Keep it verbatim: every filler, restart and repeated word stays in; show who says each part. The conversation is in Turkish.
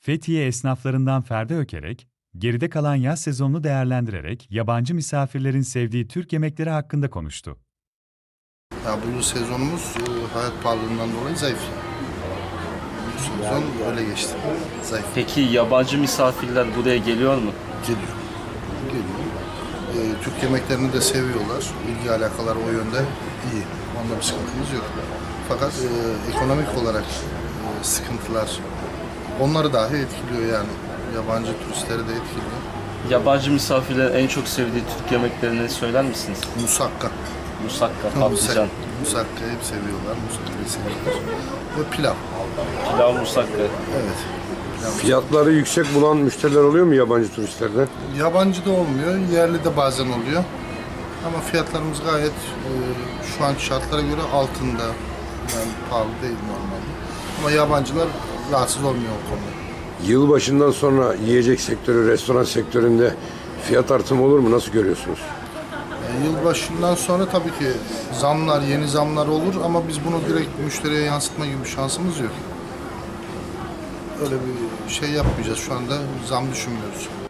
Speaker 1: Fethiye esnaflarından Ferdi Ökerek, geride kalan yaz sezonunu değerlendirerek yabancı misafirlerin sevdiği Türk yemekleri hakkında konuştu.
Speaker 2: Ya bu sezonumuz e, hayat pahalılığından dolayı zayıf. Bu sezon öyle geçti. Zayıf.
Speaker 3: Peki yabancı misafirler buraya geliyor mu?
Speaker 2: Geliyor. Geliyor. E, Türk yemeklerini de seviyorlar. İlgi alakalar o yönde iyi. Onda bir sıkıntımız yok. Fakat e, ekonomik olarak e, sıkıntılar onları dahi etkiliyor yani. Yabancı turistleri de etkiliyor.
Speaker 3: Yabancı misafirlerin en çok sevdiği Türk yemeklerini söyler misiniz?
Speaker 2: Musakka.
Speaker 3: Musakka, patlıcan,
Speaker 2: Musakka hep seviyorlar. Musakka'yı seviyorlar. Ve pilav.
Speaker 3: pilav musakka.
Speaker 2: Evet. Pilav.
Speaker 4: Fiyatları yüksek bulan müşteriler oluyor mu yabancı turistlerden?
Speaker 2: Yabancı da olmuyor, yerli de bazen oluyor. Ama fiyatlarımız gayet e, şu anki şartlara göre altında. Yani pahalı değil normalde. Ama yabancılar rahatsız olmuyor o konuda.
Speaker 4: Yılbaşından sonra yiyecek sektörü, restoran sektöründe fiyat artımı olur mu? Nasıl görüyorsunuz?
Speaker 2: E, yılbaşından sonra tabii ki zamlar, yeni zamlar olur ama biz bunu direkt müşteriye yansıtma gibi bir şansımız yok. Öyle bir şey yapmayacağız. Şu anda zam düşünmüyoruz.